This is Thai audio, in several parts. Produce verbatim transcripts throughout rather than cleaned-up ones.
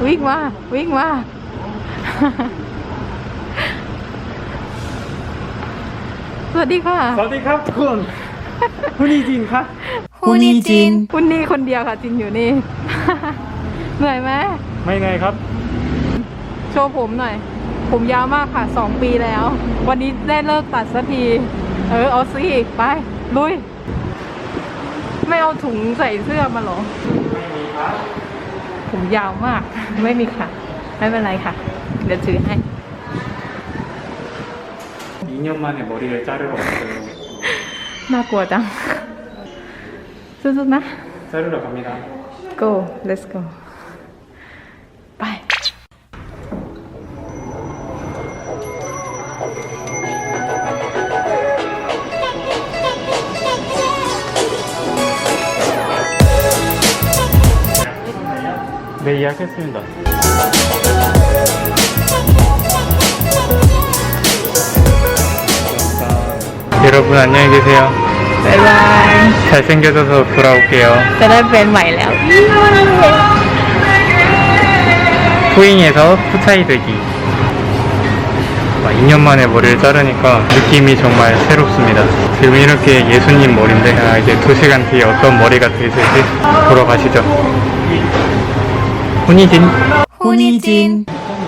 วิ่งมาวิ่งมาสวัสดีค่ะสวัสดีครับทุกคนคุณนี่จินค่ะคุณนี่จินคุณนี่คนเดียวค่ะจินอยู่นี่ เหนื่อยไหมไม่เหนื่อยครับโชว์ผมหน่อยผมยาวมากค่ะสองปีแล้ว วันนี้ได้เลิกตัดสักทีเออเอาสิไปลุยไม่เอาถุงใส่เสื้อมาหรอไม่มีครับผมยาวมากไม่มีค่ะไม่เป็นไรค่ะเดี๋ยวถือให้ 이 년 만에 머리를 자르러 왔어요. น่ากลัวจังสู้ๆนะ 자르러 갑니다. go let's go ไป 네, 예약했습니다. 여러분 안녕히 계세요. บ๊ายบาย 잘생겨져서 돌아올게요. จะได้เป็นใหม่แล้ว 후잉에서 후차이 되기. 이 년 만에 머리를 자르니까 느낌이 정말 새롭습니다. 지금 이렇게 예수님 머리인데 아, 이제 두 시간 뒤에 어떤 머리가 되실지 보러 가시죠. 훈이진 훈이진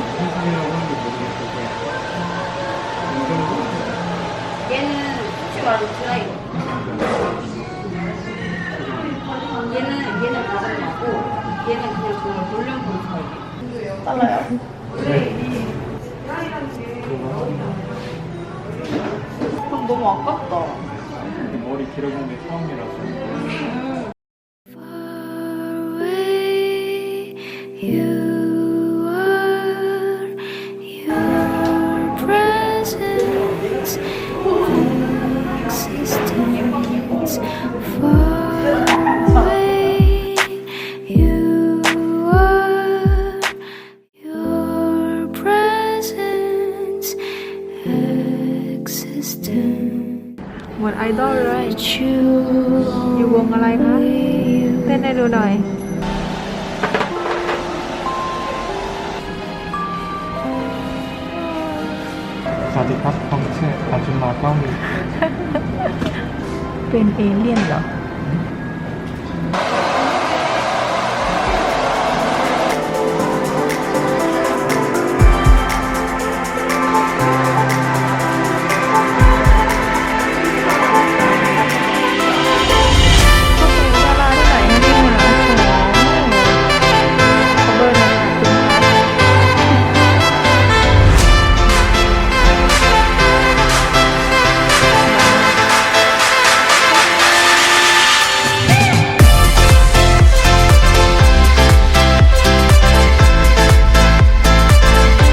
얘는 혹시 말로 드라이버. 얘는 얘는 가장 나고 얘는 그냥 정말 돌려본 스타일. 달라요. 그럼 너무 아깝다. 머리 길어진 게 처음이라서. You are, your presence, existence, far away. You are, your presence, existence. เหมือนไอดอลเลย You อยู่วงอะไรคะเต้นให้ดูหน่อยสวัสดีครับผมชื่ออาจุมาก้องเป็นเอเลี่ยนเหรอ